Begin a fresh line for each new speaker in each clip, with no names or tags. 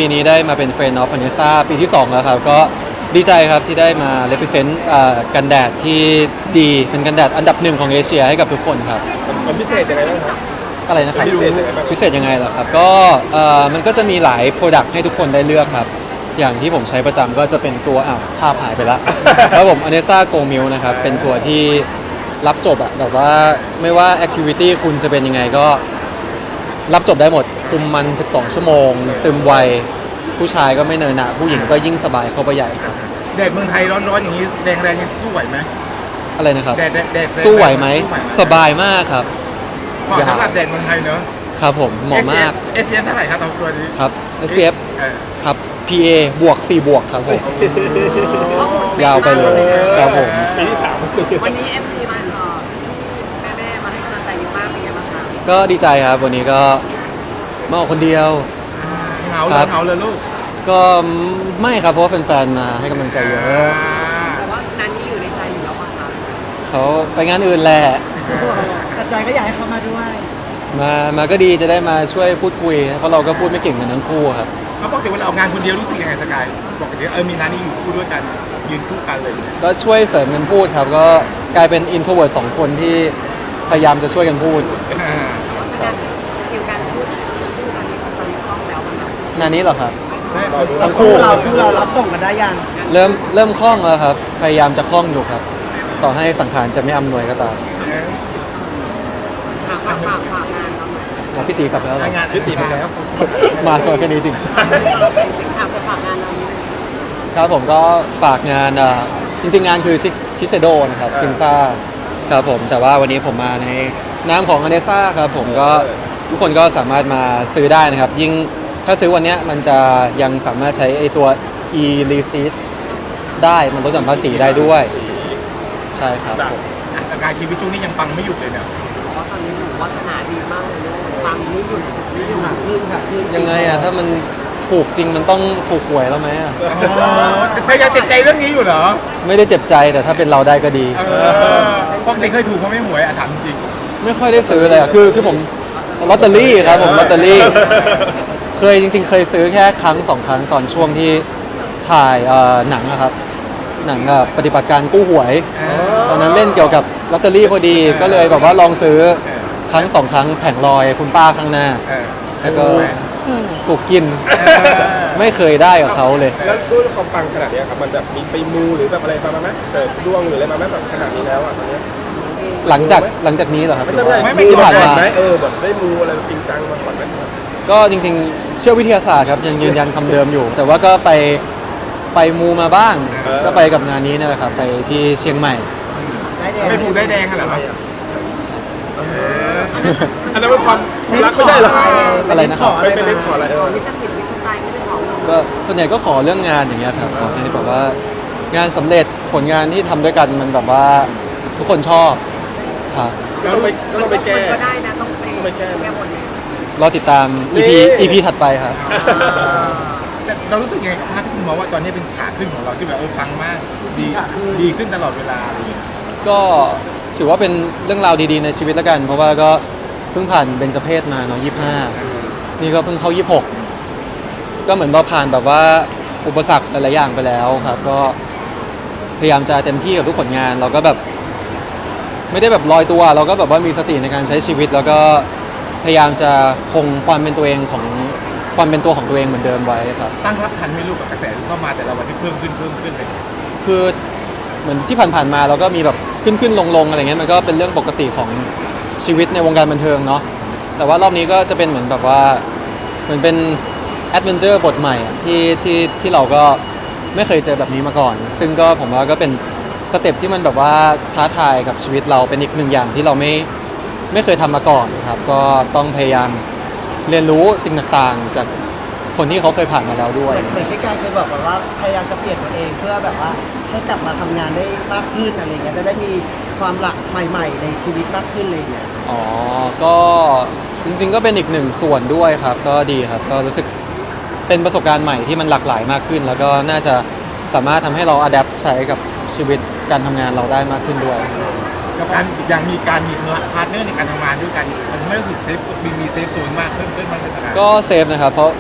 ปีนี้ได้มาเป็น Friend of Vanessa ปีที่ 2 แล้วครับก็ดีใจครับที่ได้มา represent กันแดดที่ดีเป็นกันแดดอันดับ 1ของเอเชียให้กับทุกคนครับ
มันพิเศษยังไงบ้างครับ
อะไรนะครับ
พิเศษยังไงบ้าง
พิเศษยังไงเหรอครับก็มันก็จะมีหลาย Product ให้ทุกคนได้เลือกครับอย่างที่ผมใช้ประจำก็จะเป็นตัวภาพหายไปแล้ว แล้วผม Anessa Go Milk นะครับเป็นตัวที่รับจบอะแบบว่าไม่ว่า Activity คุณจะเป็นยังไงก็รับจบได้หมดคุมมัน 12 ชั่วโมงซึมไวผู้ชายก็ไม่เนินหนะผู้หญิงก็ยิ่งสบายเข้าไปใหญ่ครับ
แดดเมืองไทยร้อนๆอย่างนี้แดงแรงยังสู้ไหวไหม
อะไรนะครับ
แดด
สู้ไหวไหมสบายมากครับ
เหมาะสำหรับแดดเมืองไทยเนอะ
ครับผมเหมาะมาก
SPF เท่าไหร่ครับตัวนี้
ครับ SPF ครับ PA บวก4บวกครับผมยาวไปเลยครับผม
ปีที่ 3
วันนี้ MC มาแม่มาให้กำลังใจเยอะมากเป็นไงบ้างคะ
ก็ดีใจครับวันนี้ก็มาออกคนเดียว
เหงาเลยลูก
ก็ไม่ครับเพราะว่าแฟนๆมาให้กำลังใจเยอะ
แต่ว่านั้นนี่อยู่ในใจอยู่แล้วป่ะคะ
เขาไปงานอื่นแหละ
แต่ใจก็อยากให้เขามาด้วย
มาก็ดีจะได้มาช่วยพูดคุยเพราะเราก็พูดไม่เก่งกันทั้งคู่ครับ
เขาบอกแต่เวลาออกงานคนเดียวรู้สึกยังไงสกายบอกแต่มีนานี่อยู่คู่ด้วยกันยืนคู่กันเลย
ก็ช่วยเสริมกันพูดครับก็กลายเป็นอินโทรเวิร์ต2คนที่พยายามจะช่วยกันพูด
คิวการพูดกันนี้ตอนนี้คล่องแล้วมั้งคะ
งานนี้เหรอครับ
ทั้งคู่เรารับส่งกันได้ยัง
เริ่มคล่องแล้วครับพยายามจะคล่องอยู่ครับต่อให้สังขารจะไม่อำนวยก็ตาม
ฝากงานเราหน่อย
พี่ตีกลับแล้ว
งานพี่ตีไปแล้ว
มาแค่นี้จริง
ฝากงานเรานี้
ครับผมก็ฝากงานจริงๆงานคือชิเซโดนะครับพินซ่าครับผมแต่ว่าวันนี้ผมมาในนามของอเนซ่าครับผมก็ทุกคนก็สามารถมาซื้อได้นะครับยิ่งถ้าซื้อวันนี้มันจะยังสามารถใช้ไอตัว e receipt ได้มันลดหย่อนภาษีได้ด้วยใช่ครับผม
สกายชีวิตช่วงนี้ยังปังไม่หยุดเลยเนี่ย
เพราะตอนนี้หนูวาสนาดีมากเลยปังไม่หยุด
ขึ้น
ยังไงอะถ้ามันถูกจริงมันต้องถูกหวยแล้วไหมอะ
พยายามติดใจเรื่องนี้อยู่เหรอ
ไม่ได้เจ็บใจแต่ถ้าเป็นเราได้ก็ดี
พวกเด็กเคยถูกเขาไม่หวยถามจริง
ไม่ค่อยได้ซื้อเลยอะคือผมลอตเตอรี่ครับผมลอตเตอรี่เคยจริงๆเคยซื้อแค่ครั้ง2 ครั้งตอนช่วงที่ถ่ายหนังนะครับหนังปฏิบัติการกู้หวยตอนนั้นเล่นเกี่ยวกับลอตเตอรี่พอดีก็เลยแบบว่าลองซื้อครั้ง2 ครั้งแผงลอยคุณป้าข้างหน้าแล้วก็ถูกกินไม่เคยได้กับเขาเลย
แล้วด้วยความปังขนาดนี้ครับมันแบบมีไปมูหรือแบบอะไรมาไหมเสริมดวงหรืออะไรมาไหมแบบขนาดนี้แล้วอ่ะตอนนี้
หลังจากนี้เหรอครับ
ไม่ใช่
มู
ผ่านมาแบบได้มูอะไรจริงจังมาก่อนไหม
ก็จริงๆเชื่อวิทยาศาสตร์ครับยังยืนยันคำเดิมอยู่แต่ว่าก็ไปมูมาบ้างก็ไปกับงานนี้นะครับไปที่เชียงใหม่
ไม่ถูกได้แดงเหรอ
อันนั้นเป็นความรักไม่ใช่เหรอ
อะไรนะครับ
ไปเล่นขออะไร
วิจารณ์ผิดวิจารณ์ใจไม่ได้ขอ
ก็ส่วนใหญ่ก็ขอเรื่องงานอย่างเงี้ยครับขอให้แบบว่างานสำเร็จผลงานที่ทำด้วยกันมันแบบว่าทุกคนชอบครับ
ก็ต้องไปแก้
ก็ได้นะต้องไปแก้หมดเลย
รอติดตาม EP ถัดไปครับ
เรารู้สึกไงถ้าที่คุณมองว่าตอนนี้เป็นขาขึ้นของเราที่แบบปังมากดีขึ้นตลอดเวลาอะไรอย่างเงี้ย
ก็ถือว่าเป็นเรื่องราวดีๆในชีวิตแล้วกันเพราะว่าก็เพิ่งผ่านเบญจเพสมาเนาะ25นี่ก็เพิ่งเข้า26ก็เหมือนเราผ่านแบบว่าอุปสรรคหลายๆอย่างไปแล้วครับก็พยายามจะเต็มที่กับทุกผลงานเราก็แบบไม่ได้แบบลอยตัวเราก็แบบว่ามีสติในการใช้ชีวิตแล้วก็พยายามจะคงความเป็นตัวเองของความเป็นตัวของตัวเองเหมือนเดิมไว้ครับ
ตั้งรับทันไม่รู้กับกระแสที่เข้ามาแต่ละวันที่เพิ่มขึ้นเลย
คือเหมือนที่ผ่านๆมาเราก็มีแบบขึ้นลงอะไรเงี้ยมันก็เป็นเรื่องปกติของชีวิตในวงการบันเทิงเนาะแต่ว่ารอบนี้ก็จะเป็นเหมือนแบบว่าเหมือนเป็นแอดเวนเจอร์บทใหม่ที่เราก็ไม่เคยเจอแบบนี้มาก่อนซึ่งก็ผมว่าก็เป็นสเต็ปที่มันแบบว่าท้าทายกับชีวิตเราเป็นอีกหนึ่งอย่างที่เราไม่เคยทำมาก่อนครับก็ต้องพยายามเรียนรู้สิ่งต่างๆจากคนที่เขาเคยผ่านมาแล้วด้วย
เหมือนที่การเคยบอกว่าพยายามจะเปลี่ยนตัวเองเพื่อแบบว่าให้กลับมาทำงานได้มากขึ้นอะไรเงี้ยจะได้มีความหลากใหม่ๆในชีวิตมากขึ้นเลยเนี่ย
อ๋อก็จริงๆก็เป็นอีกหนึ่งส่วนด้วยครับก็ดีครับก็รู้สึกเป็นประสบการณ์ใหม่ที่มันหลากหลายมากขึ้นแล้วก็น่าจะสามารถทำให้เราอัดแอปใช้กับชีวิตการทำงานเราได้มากขึ้นด้วย
กับการยังมีการมีพาร์ทเนอร์ในการทำงานด้วยกันมันไม่รู้สึกเซฟมีเซฟตัวมากขึ้นมากเลยครับ
ก็เซฟนะครับเพราะค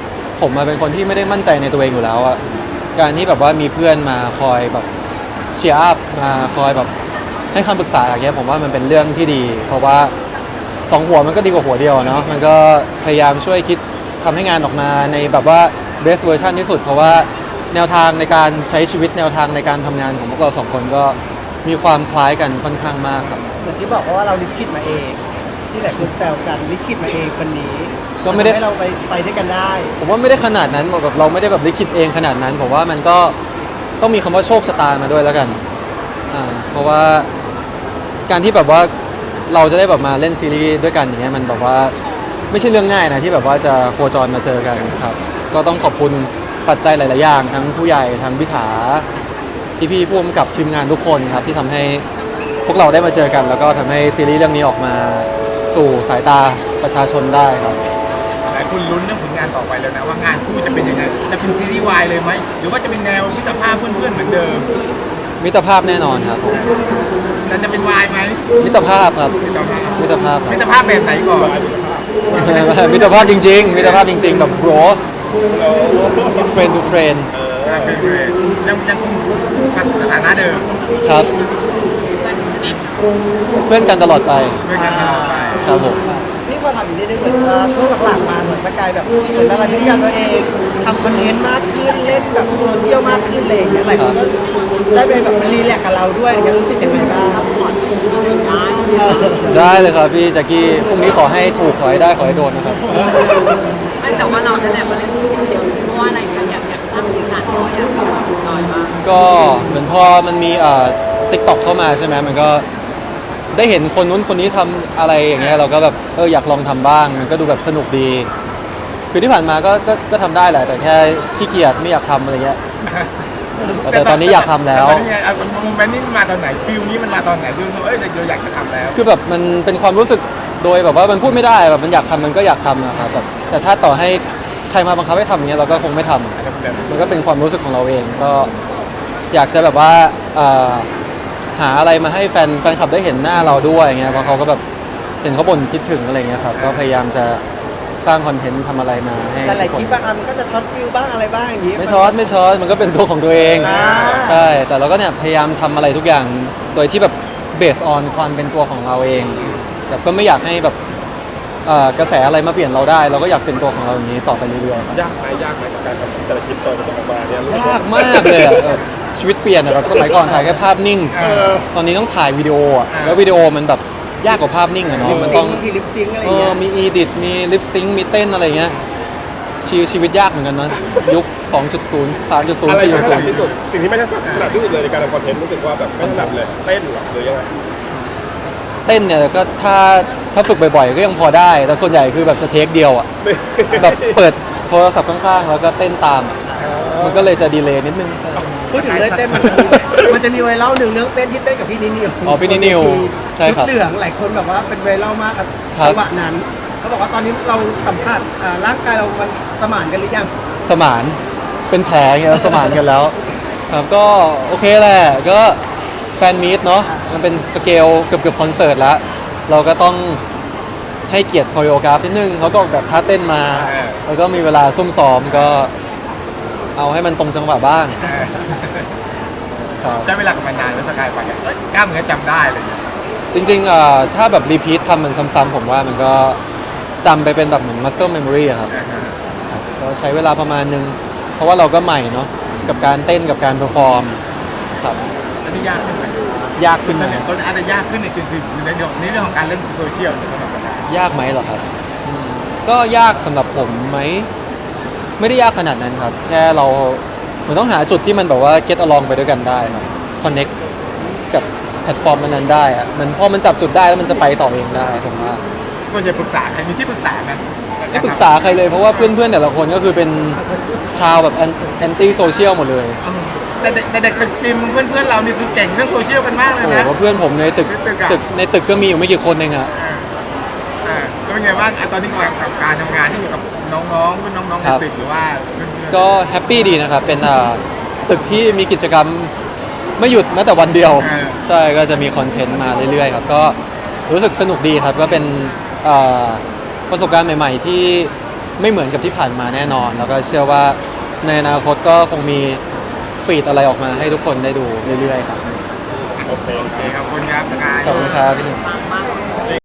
ผมมาเป็นคนที่ไม่ได้มั่นใจในตัวเองอยู่แล้วอะการที่แบบว่ามีเพื่อนมาคอยแบบเชียร์อัพมาคอยแบบให้คำปรึกษาอย่างเงี้ยผมว่ามันเป็นเรื่องที่ดี เพราะว่าสองหัวมันก็ดีกว่าหัวเดียวอะเนาะมันก็พยายามช่วยคิดทำให้งานออกมาในแบบว่า best version ที่สุด เพราะว่าแนวทางในการใช้ชีวิตแนวทางในการทำงานของพวกเราสองคนก็มีความคล้ายกันค่อนข้างมากครับ
เหมือนที่บอกว่าเราลิขิตมาเอง ที่หลายคนแซวกันลิขิตมาเองคนนี้
ก็ไม่ได้
ทำให้เราไปด้วยกันได้
ผมว่าไม่ได้ขนาดนั้นแบบเราไม่ได้แบบลิขิตเองขนาดนั้นผมว่ามันก็ต้องมีคำว่าโชคชะตามาด้วยแล้วกันเพราะว่าการที่แบบว่าเราจะได้แบบมาเล่นซีรีส์ด้วยกันอย่างเงี้ยมันแบบว่าไม่ใช่เรื่องง่ายนะที่แบบว่าจะโคจรมาเจอกันครับก็ต้องขอบคุณปัจจัยหลาย ๆ อย่างทั้งผู้ใหญ่ทั้งพิธาพี่ๆผู้กำกับทีมงานทุกคนครับที่ทำให้พวกเราได้มาเจอกัน แล้วก็ทำให้ซีรีส์เรื่องนี้ออกมาสู่สายตาประชาชนได้ครับ
หลายคนลุ้นเรื่องผลงานต่อไปแล้วนะว่างานคู่จะเป็นยังไงจะเป็นซีรีส์วายเลยไหมหรือว่าจะเป็นแนวมิตรภาพเพื่อนๆเหมือนเดิม
มิตรภาพแน่นอนครับผม
แต่จะเป็นวายไหม
มิตรภาพครับ
มิตรภาพ
มิตรภาพครับ
มิตรภาพแบบไหนก่อน
มิตรภาพจริงๆ มิตรภาพจริงๆ แบบ bro friend to friend
เป็นเพื่อนยังคงสถานะเดิม
ครับ เพื่อนกันตลอดไป
เพื่อนกันตลอดไป
ครับผม
นี่พอทำอยู่นี่ได้เหมือนช่วงหลังๆมาเหมือนสกายแบบเหมือนอะไรที่อยากตัวเองทำคอนเทนต์มากขึ้นเล่นแบบโซเชียลมากขึ้นอะไรอย่างเงี้ยหลายคนก็ได้ไปแบบมันรีแลกซ์กับเราด้วยอย่างเงี้ยรู้สึกยังไงบ้างเออ
ได้เลยครับพี่แจ็คกี้พรุ่งนี้ขอให้ถูกขอให้ได้ขอให้โดนนะครับ
แต่ว่าเรานั่นแหละมาเล่นจริงเดียวเพราะว่าอะไรกันอยากทำสิ่งนั้นอยากทำน้อยมาก
ก็เหมือนพอมันมีTikTok เข้ามาใช่ไหมมันก็ได้เห็นคนนู้นคนนี้ทำอะไรอย่างเงี้ยเราก็แบบอยากลองทำบ้างมันก็ดูแบบสนุกดี คือที่ผ่านมาก็ทำได้แหละ แต่แค่ขี้เกียจไม่อยากทำอะไรเงี้ย แต่ตอนนี้อยากทำแล้ว
ตอนนี้ไงโมเมนต์นี้มันมาตอนไหนฟิลนี้มันมาตอนไหนฟิลเราอยากจะทำแล้ว
คือแบบมันเป็นความรู้สึกโดยแบบว่ามันพูดไม่ได้แบบมันอยากทำมันก็อยากทำนะครับแบบแต่ถ้าต่อให้ใครมาบังคับให้ทำอย่างเงี้ยเราก็คงไม่ทำมันก็เป็นความรู้สึกของเราเองก็อยากจะแบบว่าหาอะไรมาให้แฟนคลับได้เห็นหน้าเราด้วยอย่างเงี้ยเพราะเขาก็แบบเห็นเขาบ่นคิดถึงอะไรเงี้ยครับก็พยายามจะสร้างคอนเทนต์ทำอะไรมาให้
แต่หลาย
ทุก
ค
ค
ลิ
น
ปบางอันมันก็จะช็อตฟิลบ้างอะไรบ้างอย่างงี้
ไม่ช็อตมันก็เป็นตัวของตัวเอง
อ่า
ใช่แต่เราก็เนี่ยพยายามทำอะไรทุกอย่างโดยที่แบบเบสออนความเป็นตัวของเราเองแบบก็ไม่อยากให้แบบกระแสอะไรมาเปลี่ยนเราได้ เราก็อยากเป็นตัวของเราอย่างนี้ต่อไปเรื่อยๆครับ
ยากไหมกับการทำแต่ละคลิปตอนมันจะออกมาเนี่ยรู้สึ
ยากมากเลยอะแบบชีวิตเปลี่ยนอะแบบสมัยก่อนถ่ายแค่ภาพนิ่ง ตอนนี้ต้องถ่ายวิดีโออะแล้ววิดีโอมันแบบยากกว่าภาพนิ่งอะเนาะมันต้อง
มีลิปซิงค์อะไรอย่างเงี้ย
มีอีดิทมีลิปซิงค์มีเต้นอะไรเงี้ยชีวิตยากเหมือนกันนะยุค 2.0 3.0
อะไรที่ถนัด
4.0
ที่สุดสิ่งที่ไม่ถนัดที่สุดเลยในการทำคอนเทนต์รู้สึกว่าแบบไม่ถนัดเลยเต้นเหรอหรือยังไง
เต้นเนี่ยก็ถ้าฝึกบ่อยๆ ก็ยังพอได้ แต่ส่วนใหญ่คือแบบจะเทคเดียวอ่ะ แบบเปิดโทรศัพท์ข้างๆ แล้วก็เต้นตาม มันก็เลยจะดีเลย์นิดนึง
พูดถึงเรื่องเต้นมันจะมีไวรัลหนึ่งเรื่องเต้นที่เต้นกับพี่นิว
อ๋อพี่นิวใช่ครับ
ชุดเหลืองหลายคนแบบว่าเป็นไวรัลมากกับ
ครับ
จังหวะนั้นเขาบอกว่าตอนนี้เราสัมผัสร่างกายเรามันสมานกันหรือยัง
สมานเป็นแผลอย่างเงี้ยสมานกันแล้วครับก็โอเคแหละก็แฟนมีตเนาะมันเป็นสเกลเกือบคอนเสิร์ตแล้ว เราก็ต้องให้เกียรติโคโรกราฟนิดนึงเขาก็ออกแบบท่าเต้นมา แล้วก็มีเวลาซุ่มซ้อมก็เอาให้มันตรงจังหวะบ้างครับ
ใช้เวลากับมันนานแล้วสกายไปเนี่ยกล้ามเนื้อจำได้เลย
จริงๆถ้าแบบรีพีททำมันซ้ำๆผมว่ามันก็จำไปเป็นแบบเหมือน muscle memory อะครับก็ใช้เวลาประมาณนึง เพราะว่าเราก็ใหม่เนาะกับการเต้นกับการเพอร์ฟอร์มครับ
อันนี้ยากขึ้นไหม
ยากขึ้นไหม
ต้นอาจจะยากขึ้นในในเรื่องของการเล่นโซเชียลสำหรับสกาย
ยากไหมเหรอครับก็ยากสำหรับผมไหมไม่ได้ยากขนาดนั้นครับ แค่เราเหมือนต้องหาจุดที่มันแบบว่า get along ไปด้วยกันได้ครับ connect กับแพลตฟอร์มนั้นๆได้อะมันพอมันจับจุดได้แล้วมันจะไปต่อเองได้ผมว่า
ส่วนใหญ่ปรึกษาใครมีที่ปรึกษาไหม
ไม่ปรึกษาใครเลยเพราะว่าเพื่อนๆแต่ละคนก็คือเป็นชาวแบบแอนตี้โซเชียลหมดเลย
แต่เด็กตึกจิมเพื่อนๆเรานี่คือเก่งเรื่องโซเชียลกันมากเลย
โอ้
นะ
โหเพื่อนผมในตึก ในตึกก็มีอยู่ไม่กี่คนเองอะ
ก็เป็นไงบ้างตอนนี้กับการทำงานที่อยู่กับน้องๆรุ่นน้องๆในตึกหรือว่าเพื่อนๆ
ก็แฮปปี้ดีนะครับ เป็นตึกที่มีกิจกรรมไม่หยุดแม้แต่วันเดียว ใช่ก็จะมีคอนเทนต์มาเรื่อยๆครับ ก็รู้สึกสนุกดีครับ ก็เป็นประสบการณ์ใหม่ๆที่ไม่เหมือนกับที่ผ่านมาแน่นอน แล้วก็เชื่อว่าในอนาคตก็คงมีฟีดอะไรออกมาให้ทุกคนได้ดูเรื่อยๆครับ
โอเค
โอเคขอบคุณครับสกาย
ขอบคุณครับพี่หนุ่ม
ปังมาก